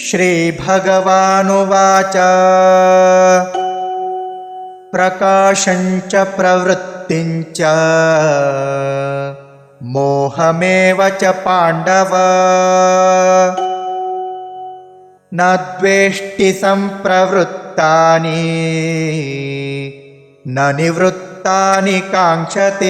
श्रीभगवानुवाच प्रकाशञ्च प्रवृत्तिञ्च मोहमेव च पाण्डव न द्वेष्टि सम्प्रवृत्तानि न निवृत्तानि काङ्क्षते।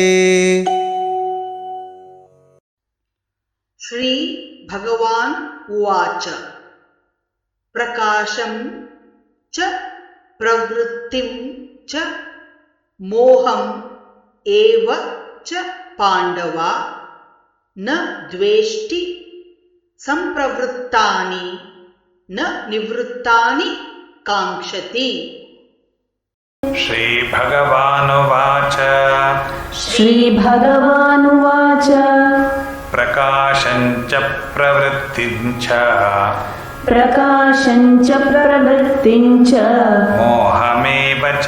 श्री भगवान उवाच प्रकाशं च प्रवृत्तिं च मोहम् एव च पाण्डव न द्वेष्टि सम्प्रवृत्तानि न निवृत्तानि काङ्क्षति। श्रीभगवानुवाच प्रकाशञ्च प्रवृत्तिञ्च मोहमेव च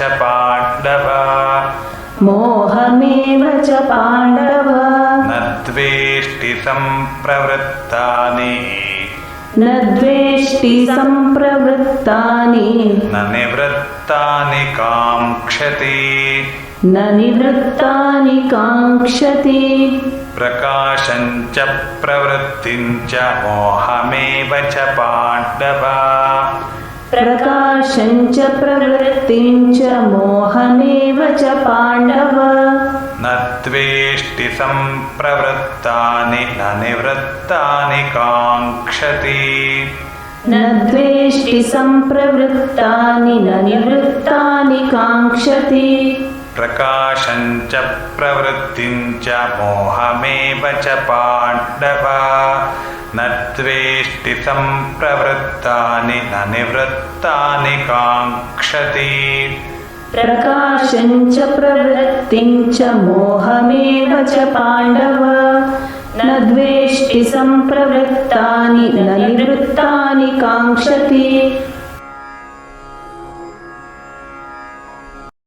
पाण्डव न द्वेष्टि सम्प्रवृत्तानि न निवृत्तानि काङ्क्षति। प्रकाशञ्च प्रवृत्तिञ्च मोहमेव च पाण्डव न द्वेष्टि सम्प्रवृत्तानि न निवृत्तानि काङ्क्षति। प्रकाशञ्च प्रवृत्तिञ्च मोहमेव च पाण्डव न द्वेष्टि सम्प्रवृत्तानि न निवृत्तानि काङ्क्षति। प्रकाशञ्च प्रवृत्तिञ्च मोहमेव च पाण्डव न द्वेष्टि सम्प्रवृत्तानि न निवृत्तानि काङ्क्षति।